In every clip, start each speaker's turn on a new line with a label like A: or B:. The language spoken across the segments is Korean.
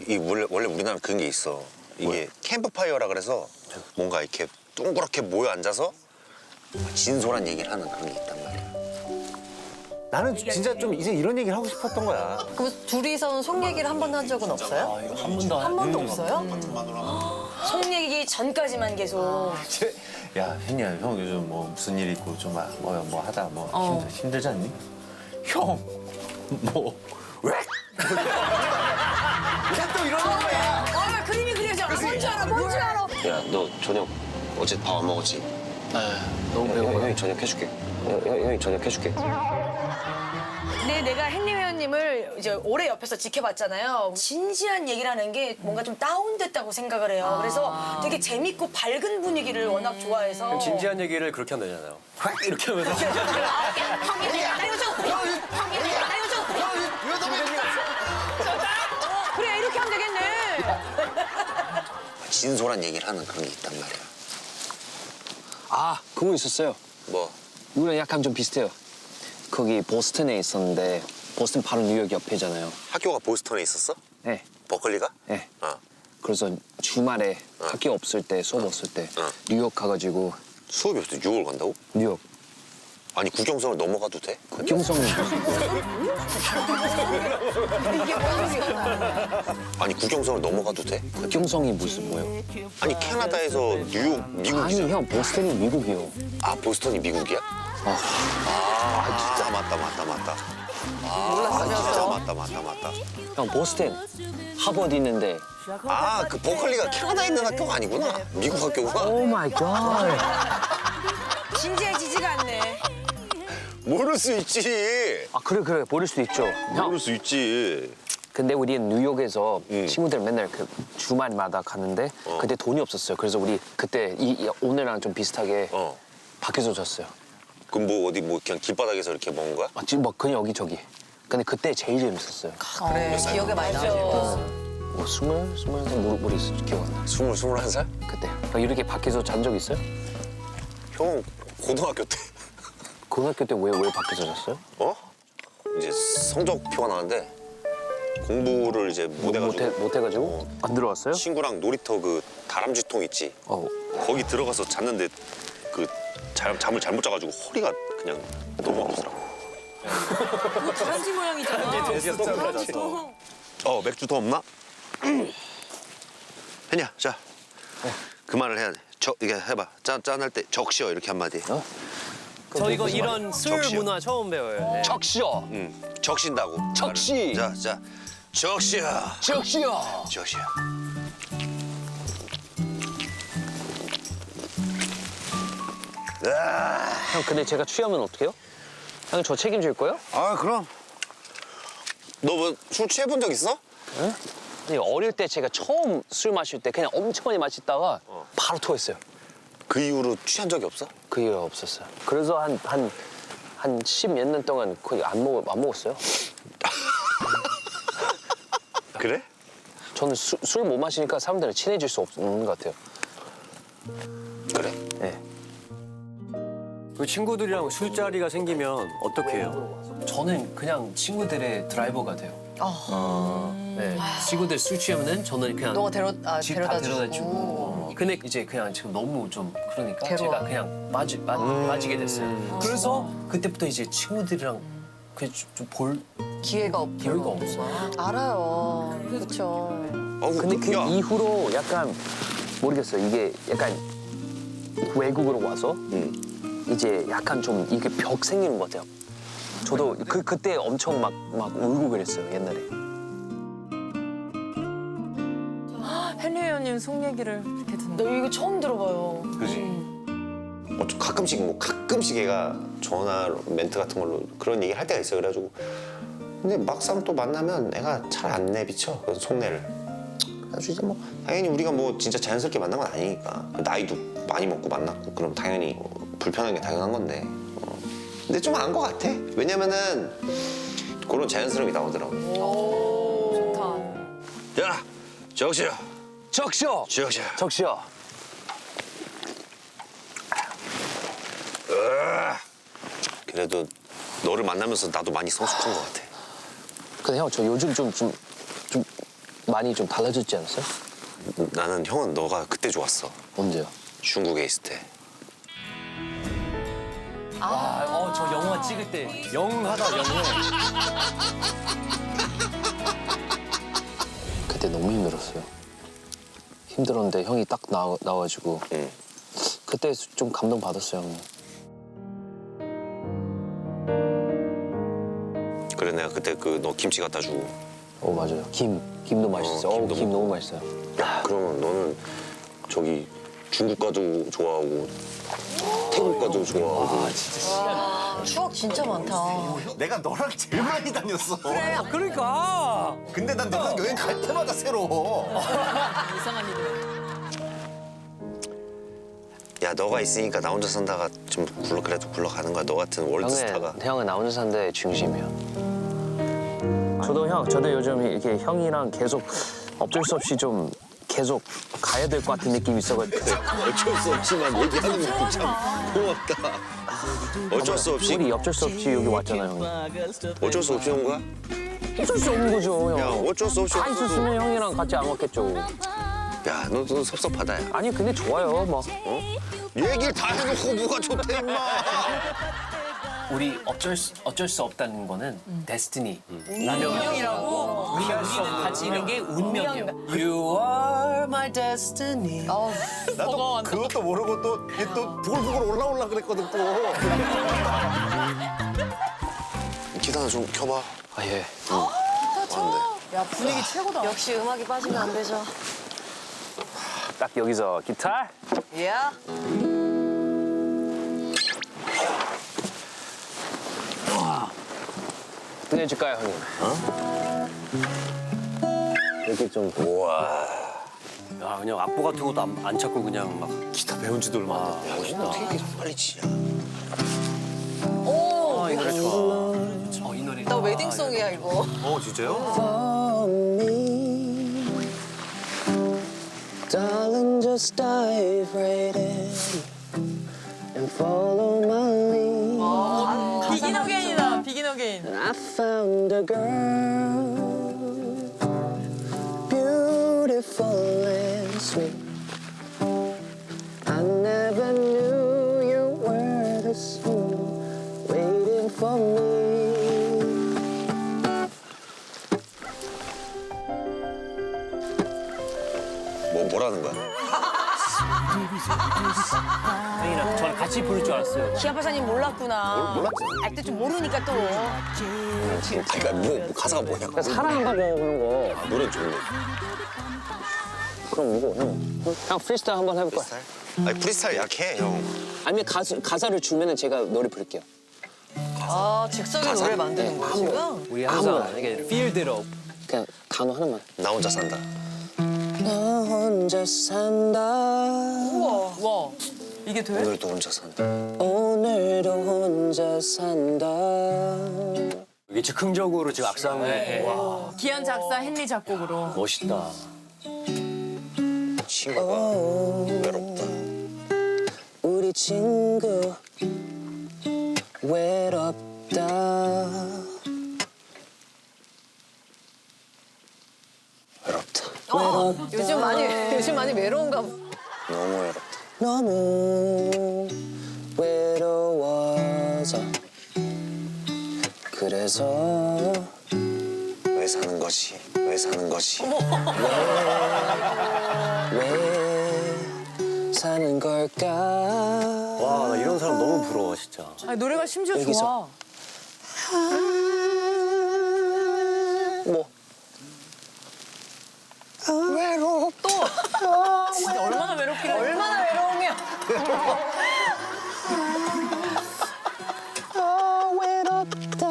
A: 원래 우리나라 그런 게 있어. 이게 캠프파이어라 그래서 뭔가 이렇게 둥그렇게 모여 앉아서 진솔한 얘기를 하는 그런 게 있단 말이야.
B: 나는 진짜 좀 이제 이런 얘기를 하고 싶었던 거야.
C: 그럼 둘이서는 속 얘기를 한 번도 한 적은 없어요?
D: 한 번도
C: 한 번도 없어요?
E: 속 얘기 전까지만 계속.
B: 야, 혜니야, 형 요즘 뭐 무슨 일 있고 좀 뭐 하다 뭐 힘들지 않니? 형, 뭐 왜? 또 이러는 거야.
E: 아, 그림이 그려져. 뭔지 알아, 뭔지 알아.
A: 야, 너 저녁 어제 밥 안 먹었지?
D: 너무 배고파.
A: 형이 저녁 해줄게. 형이 저녁 해줄게.
E: 근데 내가 henry 회원님을 이제 오래 옆에서 지켜봤잖아요. 진지한 얘기를 하는 게 뭔가 좀 다운됐다고 생각을 해요. 그래서 되게 재밌고 밝은 분위기를 워낙 좋아해서.
D: 진지한 얘기를 그렇게 하면 되잖아요. 이렇게 하면서
E: 나 이거 좀. 나 이거 좀. 그래, 이렇게 하면 되겠네.
A: 진솔한 얘기를 하는 그런 게 있단 말이야.
F: 아, 그거 있었어요.
A: 뭐?
F: 이거랑 약간 좀 비슷해요. 거기 보스턴에 있었는데 보스턴 바로 뉴욕 옆이잖아요.
A: 학교가 보스턴에 있었어?
F: 네.
A: 버클리가?
F: 네.
A: 어.
F: 그래서 주말에 학교 없을 때, 수업 없을 때 뉴욕 가가지고
A: 수업이 없어. 6월 간다고?
F: 뉴욕
A: 아니 국경선을 넘어가도 돼?
F: 국경성
A: 아니 국경선을 넘어가도 돼?
F: 국경성이 무슨 뭐예요?
A: 아니 캐나다에서 뉴욕
F: 아니
A: 미국이잖아.
F: 형 보스턴이 미국이요.
A: 아 보스턴이 미국이야? 아 진짜 맞다. 진짜 맞다.
F: 형 보스턴 하버드 있는데.
A: 아 그 버클리가 캐나다에 있는 학교가 아니구나. 미국 학교구나.
F: 오 마이 갓.
E: 진지해지지가 않네.
A: 모를 수 있지.
F: 아 그래 모를 수도 있죠. 형
A: 모를 수 있지.
F: 근데 우리는 뉴욕에서 친구들 맨날 그 주말마다 갔는데 그때 돈이 없었어요. 그래서 우리 그때 오늘랑 좀 비슷하게
A: 어.
F: 밖에서 잤어요.
A: 그럼 뭐 어디 뭐 그냥 길바닥에서 이렇게 먹은 거야?
F: 아, 지금 막 그냥 여기저기. 근데 그때 제일 재밌었어요.
C: 그래, 기억에 많이 남죠.
F: 뭐 스물한 모르겠어. 기억 안 나.
A: 21살?
F: 그때. 막 이렇게 밖에서 잔 적 있어요?
A: 형 고등학교 때.
F: 고등학교 때 왜 밖에서 잤어요?
A: 어? 이제 성적표가 나왔는데 공부를 이제 못 해가지고
F: 못해가지고? 안 들어왔어요?
A: 친구랑 놀이터 그 다람쥐통 있지?
F: 어.
A: 거기 들어가서 잤는데 그 잠을 잘못 자가지고 허리가 그냥 너무 아프더라고.
E: 다람쥐 모양이잖아.
A: 맥주 더 없나? 혜냐, 자. 그 말을 해야 돼. 이게 해봐. 짠할 때 적시어 이렇게 한마디.
D: 저 이거 이런 술
A: 적시요.
D: 문화 처음 배워요. 네.
F: 적시어.
A: 적신다고.
F: 적시.
A: 말을. 자. 적시어.
F: 적시어.
A: 적시어.
F: 형 근데 제가 취하면 어떡해요? 형 저 책임질 거예요?
A: 아, 그럼. 너 뭐 술 취해본 적 있어?
F: 아니, 어릴 때 제가 처음 술 마실 때 그냥 엄청 많이 마시다가 바로 토했어요.
A: 그 이후로 취한 적이 없어?
F: 그 이유가 없었어요. 그래서 한 10몇 년 동안 거의 안 먹었어요.
A: 그래?
F: 저는 술 못 마시니까 사람들이랑 친해질 수 없는 것 같아요.
A: 그래.
F: 네.
D: 그 친구들이랑 술자리가 생기면 어떻게 해요?
G: 저는 그냥 친구들의 드라이버가 돼요. 네. 친구들 술 취하면은 저는 그냥
C: 너가
G: 집
C: 데려다
G: 다 데려다
C: 주고.
G: 주고. 근데 이제 그냥 지금 너무 좀 그러니까
C: 괴로워.
G: 제가 그냥 빠지게 됐어요. 그래서 그때부터 이제 친구들이랑 그좀볼
C: 기회가
G: 기회가 없어.
C: 알아요. 그렇죠.
F: 근데 그
A: 야.
F: 이후로 약간 모르겠어요. 이게 약간 외국으로 와서 이제 약간 좀 이게 벽 생기는 것 같아요. 저도 그때 엄청 막 울고 그랬어요, 옛날에.
C: 헨리 회원님 속 얘기를 이렇게 듣는다.
E: 너 이거 처음 들어봐요.
A: 그지? 가끔씩 얘가 전화 멘트 같은 걸로 그런 얘기를 할 때가 있어. 그래가지고 근데 막상 또 만나면 애가 잘 안 내비쳐. 그래서 속내를. 그래가지고 이제 뭐 당연히 우리가 뭐 진짜 자연스럽게 만난 건 아니니까 나이도 많이 먹고 만났고 그럼 당연히 불편한 게 당연한 건데. 근데 좀 안 것 같아. 왜냐면은 그런 자연스러움이 나오더라고.
C: 좋다.
A: 야, 적시어.
F: 적시어.
A: 적시어.
F: 적시어.
A: 그래도 너를 만나면서 나도 많이 성숙한 것 같아.
F: 근데 형 저 요즘 좀 많이 좀 달라졌지 않았어요?
A: 나는 형은 너가 그때 좋았어.
F: 언제요?
A: 중국에 있을 때.
D: 저 영화 찍을 때 영하다 영해.
F: 그때 너무 힘들었어요. 힘들었는데 형이 딱 나와가지고
A: 응.
F: 그때 좀 감동 받았어요. 형님.
A: 그래 내가 그때 그 너 김치 갖다 주고.
F: 맞아요. 김도 맛있어요.
A: 김도
F: 김 너무 맛있어요.
A: 야 그러면 너는 저기 중국 가도 좋아하고 태국 가도 좋아하고.
C: 추억 진짜 많다.
B: 내가 너랑 제일 많이 다녔어.
D: 그러니까.
B: 근데 난 너랑 여행 갈 때마다 새로워.
C: 이상한 일이네.
A: 야 너가 있으니까 나 혼자 산다가 좀 그래도 굴러가는 거야. 너 같은 월드스타가.
F: 형은 나 혼자 산데 중심이야. 저도 요즘 이렇게 형이랑 계속 어쩔 수 없이 좀 계속 가야 될 것 같은 느낌이 있어가지고.
A: 어쩔 수 없지만 얘기하는 것도 참 고맙다. 어쩔 수 없이.
F: 우리 어쩔 수 없이 여기 왔잖아요, 형님.
A: 어쩔 수 없이 온 거야?
F: 어쩔 수 없는 거죠, 형.
A: 야 어쩔 수 없이
F: 다
A: 왔어도.
F: 있었으면 형이랑 같이 안 왔겠죠.
A: 야 너도 섭섭하다 야.
F: 아니 근데 좋아요, 막.
A: 얘기를 다 해놓고 뭐가 좋대 임마.
G: 우리 어쩔 수 없다는 거는 데스티니.
C: 운명이라고?
G: 우리가 같이 있는 게 운명이에요. You are my destiny.
B: 나도 그것도 모르고 또 부글부글 올라올라 그랬거든 또.
A: 기타 좀 켜봐.
F: 아 예.
A: 안돼.
C: 야 분위기 최고다.
E: 역시 음악이 빠지면 안 되죠.
F: 딱 여기서 기타.
C: 예.
F: 끝내줄까요, 형님? 이렇게 좀.
A: 우와.
D: 야 그냥 악보 같은 것도 안 찾고 그냥 막.
B: 기타 배운 지도 얼마 안 됐다.
A: 멋있다. 어떻게 이렇게 빨리 치냐.
D: 이 노래 좋아.
G: 이 노래.
C: 나 웨딩송이야 이거.
B: 진짜요?
F: Darling, just dive right in and follow my lead.
C: 비긴 어게인이다. 비긴 어게인.
F: I found a girl, beautiful and sweet. I never knew you were the soul waiting for me.
A: 뭐라는 거야?
G: 형이랑 저랑 같이 부를 줄 알았어요.
E: 기아파사님 몰랐구나.
A: 몰랐지.
E: 알 때 좀 모르니까 또.
A: 그러니까 뭐 가사가 뭐냐고.
F: 사랑한다고 그런 거.
A: 아, 노래 좋네.
F: 그럼 이거 형 프리스타일 한번 해볼까?
A: 프리스타일? 아니 프리스타일 약해 형.
F: 아니면 가사를 주면은 제가 노래 부를게요.
C: 아 즉석에 노래 만드는 거야 지금?
D: 우리 항상 이게 필드로.
F: 그냥 단어 하나만.
A: 나 혼자 산다.
F: 나 혼자 산다.
C: 와 이게 돼?
A: 오늘도 혼자 산다.
F: 오늘도 혼자 산다.
D: 이게 즉흥적으로 지금 악상을. 와
C: 기한 작사 헨리 작곡으로.
D: 멋있다.
A: 친구가 외롭다.
F: 우리 친구 외롭다.
A: 외롭다.
C: 요즘 많이 외로운가 봐.
A: 너무 외롭다.
F: 너무 외로워서 그래서
A: 왜 사는 것이? 왜 사는 것이?
F: 왜 사는 걸까?
D: 와 나 이런 사람 너무 부러워 진짜.
C: 아니, 노래가 심지어
F: 여기서.
C: 좋아.
F: 뭐?
C: 진짜 얼마나 외롭길래.
E: 얼마나 외로우면.
F: 외롭다.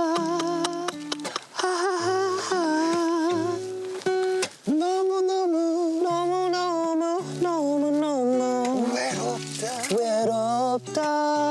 F: 너무 외롭다.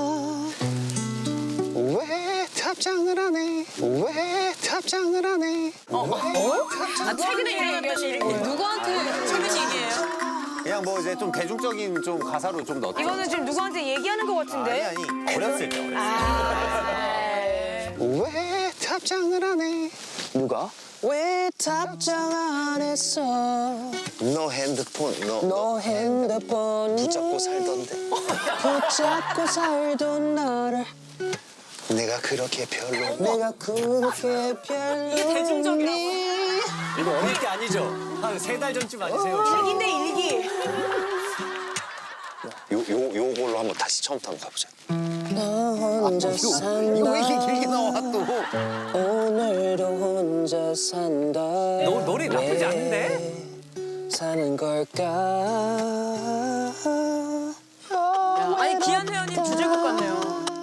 A: 왜 답장을 안 해? 왜 답장을 안 해?
C: 아 최근에 일어났던 일인데 누구한테 최근 얘기예요?
B: 그냥 뭐 이제 좀 대중적인 좀 가사로 좀 넣었죠.
E: 이거는 지금 누구한테 얘기하는 것 같은데.
B: 아니 어렸을 때.
A: 왜 답장을 안 해?
F: 누가? 왜 답장 안 했어?
A: 너 핸드폰
F: 너 핸드폰
A: 붙잡고 살던데.
F: 붙잡고 살던 나를
A: 내가 그렇게 별로.
F: 내가 그렇게 별로
C: 대중적이라고.
D: 이거 어릴 때 아니죠? 한 3달 전쯤 아니세요? 혹시?
E: 일기인데 일기.
A: 요걸로 한번 다시 처음부터 한번 가보자.
F: 나 혼자 산다.
A: 이거 왜 이렇게 길게 나와 또?
F: 오늘도 혼자 산다.
D: 노래 나쁘지 않은데?
F: 사는 걸까?
C: 아니 기한 회원님 주제곡 같네요.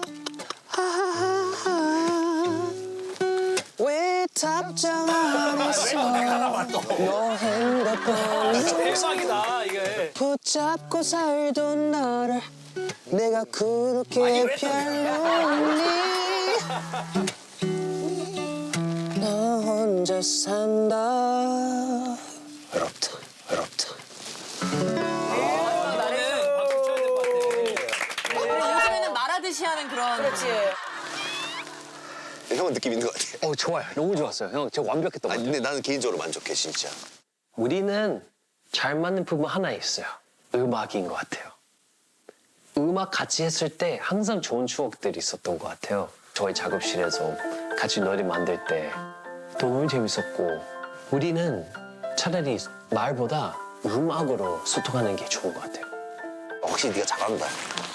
F: 왜 답장 안 했어? 너 핸드폰
D: 대박이다 이게.
F: 붙잡고 살던 나를 내가 그렇게 별로니? 나 혼자 산다.
A: 외롭다.
D: 이거는 박수 쳐야 될 것 같아.
C: 요즘에는 말하듯이 하는 그런.
E: 그렇지.
A: 형은 느낌 있는 것 같아.
F: 좋아요. 너무 좋았어요. 형, 제가 완벽했던 것
A: 아니
F: 같아요.
A: 근데 나는 개인적으로 만족해 진짜.
F: 우리는 잘 맞는 부분 하나 있어요. 음악인 것 같아요. 음악 같이 했을 때 항상 좋은 추억들이 있었던 것 같아요. 저희 작업실에서 같이 노래 만들 때 너무 재밌었고 우리는 차라리 말보다 음악으로 소통하는 게 좋은 것 같아요.
A: 확실히 네가 잘한다.